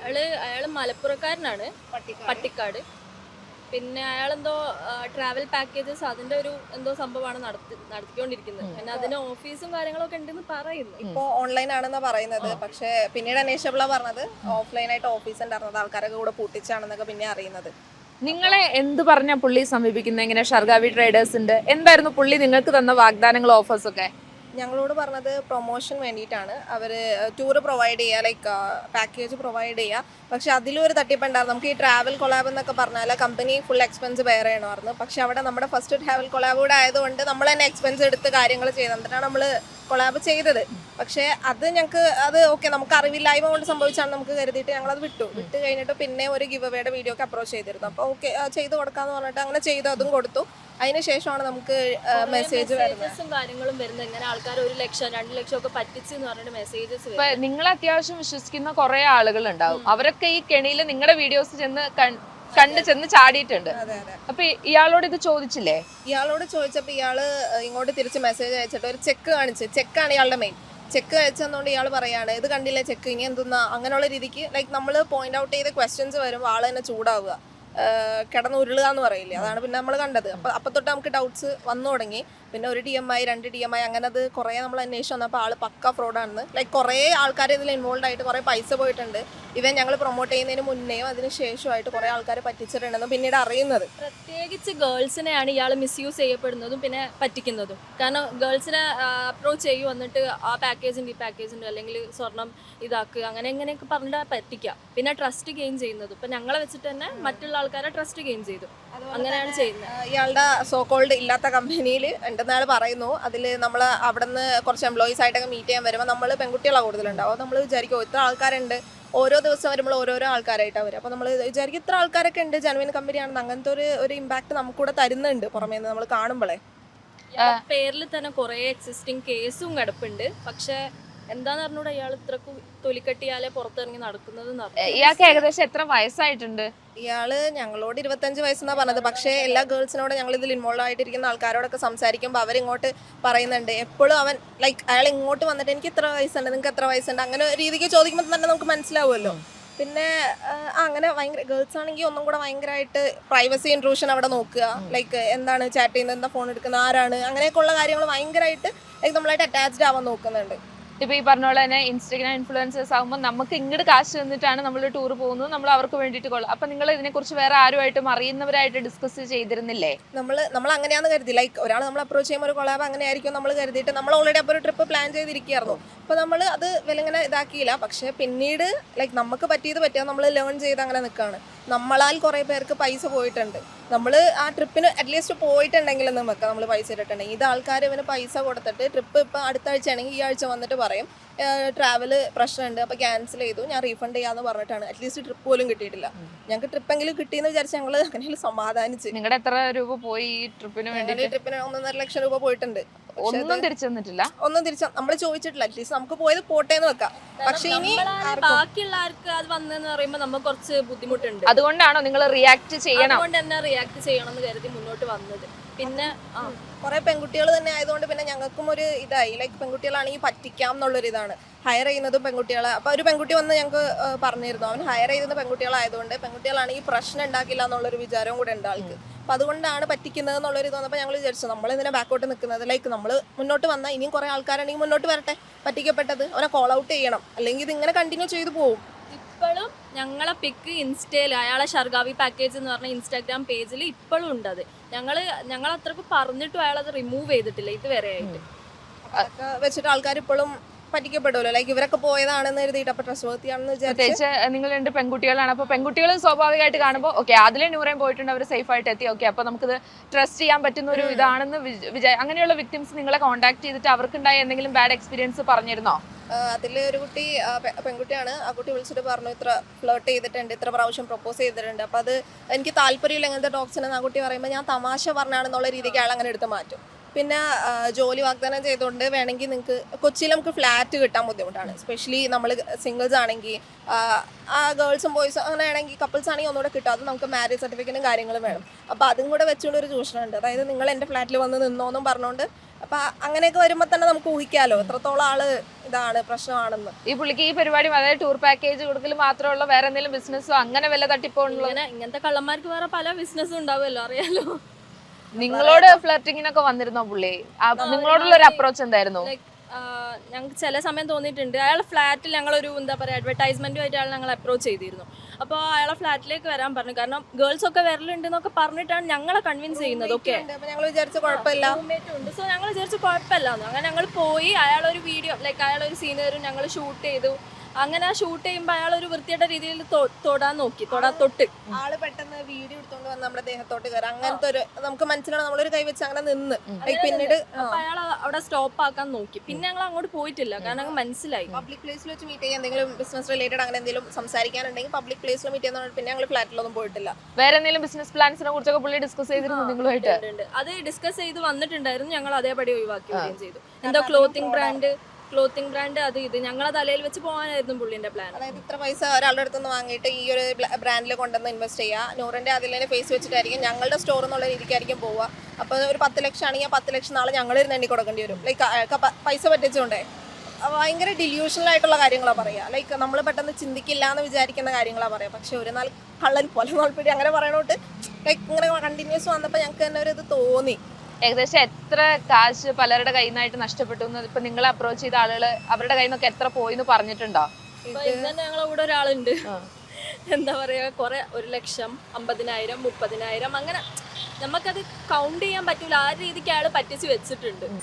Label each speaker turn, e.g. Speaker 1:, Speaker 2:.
Speaker 1: അയാള് മലപ്പുറക്കാരനാണ്, പട്ടിക്കാട്. പിന്നെ അയാളെന്തോ travel packages അതിന്റെ ഒരു എന്തോ സംഭവമാണ് നടത്തിക്കൊണ്ടിരിക്കുന്നത്. പിന്നെ അതിന് ഓഫീസും കാര്യങ്ങളൊക്കെ ഉണ്ടെന്ന് പറയുന്നു.
Speaker 2: ഇപ്പോ ഓൺലൈൻ ആണെന്ന് പറയുന്നത്, പക്ഷെ പിന്നീട് അന്വേഷിച്ചപ്പോഴാണ് പറഞ്ഞത് ഓഫ്ലൈൻ ആയിട്ട് ഓഫീസ് ഉണ്ടായിരുന്നത്, ആൾക്കാരൊക്കെ കൂടെ പൂട്ടിച്ചാണെന്നൊക്കെ പിന്നെ അറിയുന്നത്.
Speaker 3: നിങ്ങളെ എന്ത് പറഞ്ഞ പുള്ളി സമീപിക്കുന്നത്? ഇങ്ങനെ ഷർഗാവി ട്രേഡേഴ്സിന്റെ എന്തായിരുന്നു പുള്ളി നിങ്ങൾക്ക് തന്ന വാഗ്ദാനങ്ങൾ, ഓഫേഴ്സ് ഒക്കെ?
Speaker 2: ഞങ്ങളോട് പറഞ്ഞത് പ്രൊമോഷൻ വേണ്ടിയിട്ടാണ്, അവർ ടൂർ പ്രൊവൈഡ് ചെയ്യുക, ലൈക്ക് പാക്കേജ് പ്രൊവൈഡ് ചെയ്യുക. പക്ഷെ അതിലും ഒരു തട്ടിപ്പുണ്ടായിരുന്നു. നമുക്ക് ഈ ട്രാവൽ കൊളാബ് എന്നൊക്കെ പറഞ്ഞാൽ കമ്പനി ഫുൾ എക്സ്പെൻസ് ബെയർ ചെയ്യണമായിരുന്നു. പക്ഷെ അവിടെ നമ്മുടെ ഫസ്റ്റ് ട്രാവൽ കൊളാബ് കൂടെ ആയതുകൊണ്ട് നമ്മൾ തന്നെ എക്സ്പെൻസ് എടുത്ത് കാര്യങ്ങൾ ചെയ്ത് എന്നിട്ടാണ് നമ്മൾ കൊളാബ് ചെയ്തത്. പക്ഷേ അത് ഞങ്ങൾക്ക് അത് ഓക്കെ, നമുക്ക് അറിവില്ലായ്മ കൊണ്ട് സംഭവിച്ചാണ് നമുക്ക് കരുതിയിട്ട് ഞങ്ങളത് വിട്ട് കഴിഞ്ഞിട്ട് പിന്നെ ഒരു ഗിവ് അവേയുടെ വീഡിയോ ഒക്കെ അപ്രോച്ച് ചെയ്തിരുന്നു. അപ്പോൾ ഓക്കെ ചെയ്ത് കൊടുക്കാമെന്ന് പറഞ്ഞിട്ട് അങ്ങനെ ചെയ്തു, അതും കൊടുത്തു. അതിനുശേഷമാണ് നമുക്ക് മെസ്സേജ്
Speaker 1: മെസ്സേജസും കാര്യങ്ങളും വരുന്നത്. ഇങ്ങനെ ആൾക്കാർ 1 ലക്ഷം 2 ലക്ഷം ഒക്കെ പറ്റിച്ചെന്ന് പറഞ്ഞിട്ട് മെസ്സേജസ്.
Speaker 3: നിങ്ങൾ അത്യാവശ്യം വിശ്വസിക്കുന്ന കുറെ ആളുകൾ ഉണ്ടാവും, അവരൊക്കെ ഈ കെണിയിൽ നിങ്ങളുടെ വീഡിയോസ് ചെന്ന് ചാടിയിട്ടുണ്ട്. അപ്പൊ ഇയാളോട് ഇത് ചോദിച്ചില്ലേ?
Speaker 2: ഇയാളോട് ചോദിച്ചപ്പോൾ ഇയാള് ഇങ്ങോട്ട് തിരിച്ച് മെസ്സേജ് അയച്ചിട്ട് ഒരു ചെക്ക് കാണിച്ച്, ചെക്കാണ് ഇയാളുടെ മെയിൻ. ചെക്ക് അയച്ചതുകൊണ്ട് ഇയാൾ പറയാണ് ഇത് കണ്ടില്ലേ ചെക്ക്, ഇനി എന്തെന്നാ അങ്ങനെയുള്ള രീതിക്ക് ലൈക്ക് നമ്മൾ പോയിന്റ് ഔട്ട് ചെയ്ത ക്വസ്റ്റ്യൻസ് വരുമ്പോൾ ആൾ തന്നെ ചൂടാവുക, കിടന്ന് ഉരുളുക എന്ന് പറയില്ലേ, അതാണ് പിന്നെ നമ്മൾ കണ്ടത്. അപ്പം തൊട്ട് നമുക്ക് ഡൗട്ട്സ് വന്നു തുടങ്ങി. പിന്നെ 1 DMI 2 DMI അങ്ങനെ അത് കുറേ നമ്മൾ അന്വേഷിച്ച് വന്നപ്പോൾ ആൾ പക്ക ഫ്രോഡാണെന്ന്, ലൈക്ക് കുറേ ആൾക്കാർ ഇതിൽ ഇൻവോൾവ് ആയിട്ട് കുറേ പൈസ പോയിട്ടുണ്ട്. ഇവൻ ഞങ്ങൾ പ്രൊമോട്ട് ചെയ്യുന്നതിന് മുന്നേയും അതിന് ശേഷമായിട്ട് കുറേ ആൾക്കാർ പറ്റിച്ചിട്ടുണ്ടെന്ന് പിന്നീട് അറിയുന്നത്.
Speaker 1: പ്രത്യേകിച്ച് ഗേൾസിനെയാണ് ഇയാൾ മിസ്യൂസ് ചെയ്യപ്പെടുന്നതും പിന്നെ പറ്റിക്കുന്നതും. കാരണം ഗേൾസിനെ അപ്രോച്ച് ചെയ്യും, വന്നിട്ട് ആ പാക്കേജുണ്ട് ഈ പാക്കേജുണ്ട് അല്ലെങ്കിൽ സ്വർണം ഇതാക്കുക അങ്ങനെ എങ്ങനെയൊക്കെ പറഞ്ഞിട്ട് പറ്റിക്കുക. പിന്നെ ട്രസ്റ്റ് ഗെയിൻ ചെയ്യുന്നത് ഇപ്പം ഞങ്ങളെ വെച്ചിട്ട് തന്നെ മറ്റുള്ള ആൾക്കാരെ ട്രസ്റ്റ് ഗെയിൻ ചെയ്തു, അങ്ങനെയാണ് ചെയ്യുന്നത്.
Speaker 2: ഇയാളുടെ സോ കോൾഡ് ഇല്ലാത്ത കമ്പനിയിൽ ഉണ്ടെന്നാൾ പറയുന്നു. അതിൽ നമ്മൾ അവിടെ നിന്ന് കുറച്ച് എംപ്ലോയീസ് ആയിട്ടൊക്കെ മീറ്റ് ചെയ്യാൻ വരുമ്പോൾ നമ്മൾ പെൺകുട്ടികളാണ് കൂടുതലുണ്ടാവും. അപ്പോൾ നമ്മൾ വിചാരിക്കും ഇത്ര ആൾക്കാരുണ്ട്, ഓരോ ദിവസം വരുമ്പോൾ ഓരോരോ ആൾക്കാരായിട്ടാണ് വരും. അപ്പോൾ നമ്മൾ വിചാരിക്കും ഇത്ര ആൾക്കാരൊക്കെ ഉണ്ട്, ജെനുവിൻ കമ്പനിയാണെന്ന്. അങ്ങനത്തെ ഒരു ഇമ്പാക്ട് നമുക്കൂടെ തരുന്നുണ്ട് പുറമേ നിന്ന് നമ്മൾ കാണുമ്പോഴേ.
Speaker 1: പേരിൽ തന്നെ കുറേ എക്സിസ്റ്റിംഗ് കേസും കിടപ്പുണ്ട്. പക്ഷെ എന്താന്ന് പറഞ്ഞൂടെ ഇയാൾ ഇത്രക്കും തൊലിക്കട്ടിയാലെ പുറത്തിറങ്ങി നടക്കുന്നത്.
Speaker 3: ഇയാൾക്ക് ഏകദേശം എത്ര വയസ്സായിട്ടുണ്ട്?
Speaker 2: ഇയാള് ഞങ്ങളോട് 25 വയസ്സെന്നാണ് പറഞ്ഞത്. പക്ഷേ എല്ലാ ഗേൾസിനോടും ഞങ്ങൾ ഇതിൽ ഇൻവോൾവ് ആയിട്ടിരിക്കുന്ന ആൾക്കാരോടൊക്കെ സംസാരിക്കുമ്പോൾ അവരിങ്ങോട്ട് പറയുന്നുണ്ട്, എപ്പോഴും അവൻ ലൈക്ക് അയാൾ ഇങ്ങോട്ട് വന്നിട്ട് എനിക്ക് ഇത്ര വയസ്സുണ്ട്, നിങ്ങൾക്ക് എത്ര വയസ്സുണ്ട്, അങ്ങനെ രീതിക്ക് ചോദിക്കുമ്പോൾ തന്നെ നമുക്ക് മനസ്സിലാവുമല്ലോ. പിന്നെ അങ്ങനെ ഭയങ്കര ഗേൾസ് ആണെങ്കിൽ ഒന്നും കൂടെ ഭയങ്കരമായിട്ട് പ്രൈവസി ഇൻട്രൂഷൻ അവിടെ നോക്കുക, ലൈക്ക് എന്താണ് ചാറ്റ് ചെയ്യുന്നത്, എന്താ ഫോൺ എടുക്കുന്നത്, ആരാണ്, അങ്ങനെയൊക്കെയുള്ള കാര്യങ്ങൾ ഭയങ്കരമായിട്ട് ലൈക്ക് നമ്മളായിട്ട് അറ്റാച്ച്ഡ് ആവാൻ നോക്കുന്നുണ്ട്.
Speaker 3: ഇപ്പൊ ഈ പറഞ്ഞ പോലെ തന്നെ ഇൻസ്റ്റാഗ്രാം ഇൻഫ്ലുവൻസേഴ്സ് ആകുമ്പോൾ നമുക്ക് ഇങ്ങോട്ട് കാശ് തന്നിട്ടാണ് നമ്മൾ ടൂർ പോകുന്നത്, നമ്മൾ അവർക്ക് വേണ്ടിയിട്ട് കൊള്ളാം. അപ്പൊ നിങ്ങൾ ഇതിനെക്കുറിച്ച് വേറെ ആരുമായിട്ടും അറിയുന്നവരായിട്ട് ഡിസ്കസ് ചെയ്തിരുന്നില്ലേ?
Speaker 2: നമ്മൾ അങ്ങനെയാണെന്ന് കരുതി, ലൈക്ക് ഒരാൾ നമ്മൾ അപ്രോച്ച് ചെയ്യുമ്പോൾ ഒരു കൊളാബ് അങ്ങനെ ആയിരിക്കും നമ്മൾ കരുതിയിട്ട് നമ്മൾ ഓൾറെഡി അപ്പോൾ ഒരു ട്രിപ്പ് പ്ലാൻ ചെയ്തിരിക്കുകയായിരുന്നു. അപ്പോൾ നമ്മൾ അത് വിലങ്ങനെ ഇതാക്കിയില്ല. പക്ഷേ പിന്നീട് ലൈക്ക് നമുക്ക് പറ്റിയത് നമ്മൾ ലേൺ ചെയ്ത് അങ്ങനെ നിൽക്കുകയാണ്. നമ്മളാൽ കുറേ പേർക്ക് പൈസ പോയിട്ടുണ്ട്. നമ്മൾ ആ ട്രിപ്പിന് അറ്റ്ലീസ്റ്റ് പോയിട്ടുണ്ടെങ്കിലെന്ന് വെക്കാം, നമ്മൾ പൈസ ഇട്ടിട്ടുണ്ടെങ്കിൽ. ഇത് ആൾക്കാർ ഇവന് പൈസ കൊടുത്തിട്ട് ട്രിപ്പ് ഇപ്പം അടുത്ത ആഴ്ച ആണെങ്കിൽ ഈ ആഴ്ച വന്നിട്ട് പറയും ട്രാവൽ പ്രശ്നമുണ്ട് അപ്പോൾ ക്യാൻസൽ ചെയ്തു, ഞാൻ റീഫണ്ട് ചെയ്യാമെന്ന് പറഞ്ഞിട്ടാണ്. അറ്റ്ലീസ്റ്റ് ട്രിപ്പ് പോലും കിട്ടിയിട്ടില്ല. ഞങ്ങൾക്ക് ട്രിപ്പെങ്കിലും കിട്ടിയെന്ന് വിചാരിച്ച് ഞങ്ങൾ അങ്ങനെയും സമാധാനിച്ച്.
Speaker 3: നിങ്ങളുടെ എത്ര രൂപ പോയി ഈ ട്രിപ്പിന് വേണ്ടി?
Speaker 2: ട്രിപ്പിന് 1.5 ലക്ഷം രൂപ പോയിട്ടുണ്ട്.
Speaker 3: ഒന്നും തിരിച്ചു തന്നിട്ടില്ല.
Speaker 2: ഒന്നും നമ്മൾ ചോദിച്ചിട്ടില്ല. അറ്റ്ലീസ്റ്റ് നമുക്ക് പോയത് പോട്ടേന്ന് വെക്കാം. പക്ഷെ ഇനി
Speaker 1: ബാക്കിയുള്ള ആർക്ക് അത് വന്നെന്ന് പറയുമ്പോൾ നമുക്ക് കുറച്ച് ബുദ്ധിമുട്ടുണ്ട്.
Speaker 3: അതുകൊണ്ടാണോ നിങ്ങൾ റിയാക്ട് ചെയ്യണം?
Speaker 1: അതുകൊണ്ട് തന്നെ റിയാക്ട് ചെയ്യണം എന്ന് കരുതി മുന്നോട്ട് വന്നത്. പിന്നെ
Speaker 2: കുറെ പെൺകുട്ടികൾ തന്നെ ആയതുകൊണ്ട് പിന്നെ ഞങ്ങൾക്കും ഒരു ഇതായി, ലൈക്ക് പെൺകുട്ടികളാണെങ്കിൽ പറ്റിക്കാം എന്നുള്ളൊരു ഇതാണ്. ഹയർ ചെയ്യുന്നതും പെൺകുട്ടികളെ. അപ്പോൾ ഒരു പെൺകുട്ടി വന്ന് ഞങ്ങൾക്ക് പറഞ്ഞിരുന്നു, അവൻ ഹയർ ചെയ്യുന്ന പെൺകുട്ടികളായതുകൊണ്ട് പെൺകുട്ടികളാണെങ്കിൽ പ്രശ്നം ഉണ്ടാക്കില്ല എന്നുള്ളൊരു വിചാരവും കൂടെ ഉണ്ട് ആൾക്ക്. അപ്പം അതുകൊണ്ടാണ് പറ്റിക്കുന്നത് എന്നുള്ളൊരു തോന്നപ്പോൾ ഞങ്ങൾ വിചാരിച്ചു നമ്മളിതിനെ ബാക്കോട്ട് നിൽക്കുന്നത്, ലൈക്ക് നമ്മൾ മുന്നോട്ട് വന്നാൽ ഇനിയും കുറേ ആൾക്കാരാണെങ്കിൽ മുന്നോട്ട് വരട്ടെ, പറ്റിക്കപ്പെട്ടത് അവനെ കോൾ ഔട്ട് ചെയ്യണം, അല്ലെങ്കിൽ ഇതിങ്ങനെ കണ്ടിന്യൂ ചെയ്തു പോകും.
Speaker 1: ഇപ്പോഴും ഞങ്ങളെ പിക്ക് ഇൻസ്റ്റയിൽ അയാളെ ഷർഗാവി പാക്കേജ് എന്ന് പറഞ്ഞ ഇൻസ്റ്റാഗ്രാം പേജിൽ ഇപ്പോഴും ഉണ്ട്. അത് ഞങ്ങൾ അത്രക്ക് പറഞ്ഞിട്ടും അയാൾ അത് റിമൂവ് ചെയ്തിട്ടില്ല ഇതുവരെ ആയിട്ട്.
Speaker 2: അതൊക്കെ വെച്ചിട്ട് ആൾക്കാർ ഇപ്പോഴും പറ്റിക്കപ്പെടുമല്ലോ, ലൈക്ക് ഇവരൊക്കെ പോയതാണെന്ന് എഴുതിയിട്ട് അപ്പോൾ ട്രസ്റ്റ് വർത്തിയാണെന്ന്
Speaker 3: വിചാരിച്ച്. നിങ്ങൾ 2 പെൺകുട്ടികളാണ്, അപ്പോൾ പെൺകുട്ടികൾ സ്വാഭാവികമായിട്ട് കാണുമ്പോൾ ഓക്കെ അതിലെ നൂറേം പോയിട്ടുണ്ട്, അവർ സേഫ് ആയിട്ട് എത്തി, ഓക്കെ അപ്പോൾ നമുക്കിത് ട്രസ്റ്റ് ചെയ്യാൻ പറ്റുന്ന ഒരു ഇതാണെന്ന് അങ്ങനെയുള്ള വിക്ടിംസ് നിങ്ങളെ കോൺടാക്ട് ചെയ്തിട്ട് അവർക്കുണ്ടായ എന്തെങ്കിലും ബാഡ് എക്സ്പീരിയൻസ് പറഞ്ഞിരുന്നോ?
Speaker 2: അതിൽ ഒരു കുട്ടി പെൺകുട്ടിയാണ്, ആ കുട്ടി വിളിച്ചിട്ട് പറഞ്ഞു ഇത്ര ഫ്ലേർട്ട് ചെയ്തിട്ടുണ്ട്, ഇത്ര പ്രാവശ്യം പ്രപ്പോസ് ചെയ്തിട്ടുണ്ട്, അപ്പോൾ അത് എനിക്ക് താല്പര്യമില്ല ഇങ്ങനത്തെ ടോക്സിനെന്ന് ആ കുട്ടി പറയുമ്പോൾ ഞാൻ തമാശ പറഞ്ഞാണെന്നുള്ള രീതിക്ക് അയാൾ അങ്ങനെ എടുത്ത് മാറ്റും. പിന്നെ ജോലി വാഗ്ദാനം ചെയ്തുകൊണ്ട് വേണമെങ്കിൽ നിങ്ങൾക്ക് കൊച്ചിയിൽ നമുക്ക് ഫ്ലാറ്റ് കിട്ടാൻ ബുദ്ധിമുട്ടാണ്, എസ്പെഷ്യലി നമ്മൾ സിംഗിൾസ് ആണെങ്കിൽ. ആ ഗേൾസും ബോയ്സും അങ്ങനെ ആണെങ്കിൽ കപ്പിൾസ് ആണെങ്കിൽ ഒന്നുകൂടെ കിട്ടും, അത് നമുക്ക് മാരേജ് സർട്ടിഫിക്കറ്റും കാര്യങ്ങളും വേണം. അപ്പോൾ അതും കൂടെ വെച്ചുകൊണ്ട് ഒരു ചൂഷണമുണ്ട്. അതായത് നിങ്ങൾ എൻ്റെ ഫ്ലാറ്റിൽ വന്ന് നിന്നോന്നും പറഞ്ഞുകൊണ്ട് അപ്പൊ അങ്ങനെയൊക്കെ വരുമ്പോ തന്നെ നമുക്ക് ഊഹിക്കാലോ എത്രത്തോളം ആള് ഇതാണ് പ്രശ്നമാണെന്ന്.
Speaker 3: ഈ പുള്ളിക്ക് ഈ പരിപാടി അതായത് ടൂർ പാക്കേജ് കൊടുക്കൽ മാത്രമുള്ള വേറെ എന്തെങ്കിലും ബിസിനസ്സോ അങ്ങനെ വല്ല തട്ടിപ്പോ ഉള്ളത്?
Speaker 1: ഇങ്ങനത്തെ കള്ളന്മാർക്ക് വേറെ പല ബിസിനസ്സും ഉണ്ടാവുമല്ലോ, അറിയാലോ.
Speaker 3: നിങ്ങളോട് ഫ്ലർട്ടിങ്ങിനൊക്കെ വന്നിരുന്നോ പുള്ളി? നിങ്ങളോടുള്ള ഒരു അപ്രോച്ച് എന്തായിരുന്നു?
Speaker 1: ലൈക്ക് ഞങ്ങൾക്ക് ചില സമയം തോന്നിയിട്ടുണ്ട്, അയാളെ ഫ്ലാറ്റിൽ ഞങ്ങളൊരു എന്താ പറയുക അഡ്വർടൈസ്മെന്റുമായിട്ട് അയാൾ ഞങ്ങൾ അപ്രോച്ച് ചെയ്തിരുന്നു. അപ്പോൾ അയാളെ ഫ്ലാറ്റിലേക്ക് വരാൻ പറഞ്ഞു. കാരണം ഗേൾസ് ഒക്കെ വരലുണ്ട് എന്നൊക്കെ പറഞ്ഞിട്ടാണ് ഞങ്ങളെ കൺവിൻസ് ചെയ്യുന്നത്. ഓക്കെ,
Speaker 2: അപ്പൊ ഞങ്ങൾ വിചാരിച്ച കുഴപ്പമില്ല,
Speaker 1: ഉണ്ട്. സോ ഞങ്ങൾ വിചാരിച്ചു കുഴപ്പമില്ല എന്ന്. അങ്ങനെ ഞങ്ങൾ പോയി അയാളൊരു വീഡിയോ ലൈക്ക് അയാളൊരു സീനറും ഞങ്ങൾ ഷൂട്ട് ചെയ്തു. അങ്ങനെ ഷൂട്ട് ചെയ്യുമ്പോൾ അയാൾ ഒരു വൃത്തിയുടെ രീതിയിൽ തൊടാൻ നോക്കി, തൊട്ട്
Speaker 2: ആള് പെട്ടെന്ന് വീഡിയോ എടുത്തോണ്ട് വന്ന് നമ്മുടെ ദേഹത്തോട്ട് കയറാം. അങ്ങനത്തെ ഒരു നമുക്ക് മനസ്സിലാണ്, നമ്മളൊരു കൈ വെച്ച് അങ്ങനെ നിന്ന് പിന്നീട്
Speaker 1: അയാൾ അവിടെ സ്റ്റോപ്പ് ആക്കാൻ നോക്കി. പിന്നെ ഞങ്ങൾ അങ്ങോട്ട് പോയിട്ടില്ല, കാരണം ഞങ്ങൾ മനസ്സിലായി
Speaker 2: പബ്ലിക് പ്ലേസിൽ വെച്ച് മീറ്റ് ചെയ്യാൻ എന്തെങ്കിലും ബിസിനസ് റിലേറ്റഡ് അങ്ങനെ എന്തെങ്കിലും സംസാരിക്കാനുണ്ടെങ്കിൽ പബ്ലിക് പ്ലേസിൽ മീറ്റ് ചെയ്യുന്ന. പിന്നെ ഞങ്ങൾ ഫ്ലാറ്റിലൊന്നും പോയിട്ടില്ല.
Speaker 3: വേറെ എന്തെങ്കിലും ബിസിനസ് പ്ലാൻസിനെ കുറിച്ചൊക്കെ പുള്ളി ഡിസ്കസ് ചെയ്തിരുന്നു നിങ്ങളുമായിട്ട്?
Speaker 1: അത് ഡിസ്കസ് ചെയ്ത് വന്നിട്ടുണ്ടായിരുന്നു. ഞങ്ങൾ അതേപടി ഒഴിവാക്കുകയും ചെയ്തു. എന്തോ ക്ലോത്തിങ് ബ്രാൻഡ് അത് ഇത് ഞങ്ങളെ തലയിൽ വെച്ച് പോകാനായിരുന്നു പുള്ളിന്റെ പ്ലാൻ.
Speaker 2: അതായത് ഇത്ര പൈസ ഒരാളുടെ അടുത്തുനിന്ന് വാങ്ങിയിട്ട് ഈ ഒരു ബ്രാൻഡിൽ കൊണ്ടുവന്ന് ഇൻവെസ്റ്റ് ചെയ്യുക, നൂറിന്റെ അതിലെ ഫേസ് വെച്ചിട്ടായിരിക്കും ഞങ്ങളുടെ സ്റ്റോർ എന്നുള്ള രീതിക്കായിരിക്കും പോവുക. അപ്പോൾ ഒരു 10 ലക്ഷം ആണെങ്കിൽ 10 ലക്ഷം നാളെ ഞങ്ങളിരുന്ന് എണ്ണി കൊടുക്കേണ്ടി വരും. ലൈക്ക് പൈസ പറ്റിച്ചുകൊണ്ടേ ഭയങ്കര ഡില്യൂഷണൽ ആയിട്ടുള്ള കാര്യങ്ങളാണ് പറയുക. ലൈക്ക് നമ്മൾ പെട്ടെന്ന് ചിന്തിക്കില്ല എന്ന് വിചാരിക്കുന്ന കാര്യങ്ങളാണ് പറയുക. പക്ഷെ ഒരു നാൾ കള്ളൻ പോലെ നോൽപ്പിടി അങ്ങനെ പറയണോട്ട് ലൈക്ക് ഇങ്ങനെ കണ്ടിന്യൂസ് വന്നപ്പോൾ ഞങ്ങൾക്ക് തന്നെ ഒരു ഇത് തോന്നി.
Speaker 3: ഏകദേശം എത്ര കാശ് പലരുടെ കയ്യിൽ നിന്നായിട്ട് നഷ്ടപ്പെട്ടു എന്ന് ഇപ്പൊ നിങ്ങളെ അപ്രോച്ച് ചെയ്ത ആളുകള് അവരുടെ കയ്യിൽ നിന്നൊക്കെ എത്ര പോയി എന്ന് പറഞ്ഞിട്ടുണ്ടോ?
Speaker 1: ഇപ്പൊ ഇന്ന് ഞങ്ങളെ കൂടെ ഒരാളുണ്ട്, എന്താ പറയാ, കുറെ 1 ലക്ഷം 50,000 30,000 അങ്ങനെ നമുക്കത് കൗണ്ട് ചെയ്യാൻ പറ്റൂല. ആ രീതിക്ക് അയാൾ പറ്റിച്ച് വെച്ചിട്ടുണ്ട്.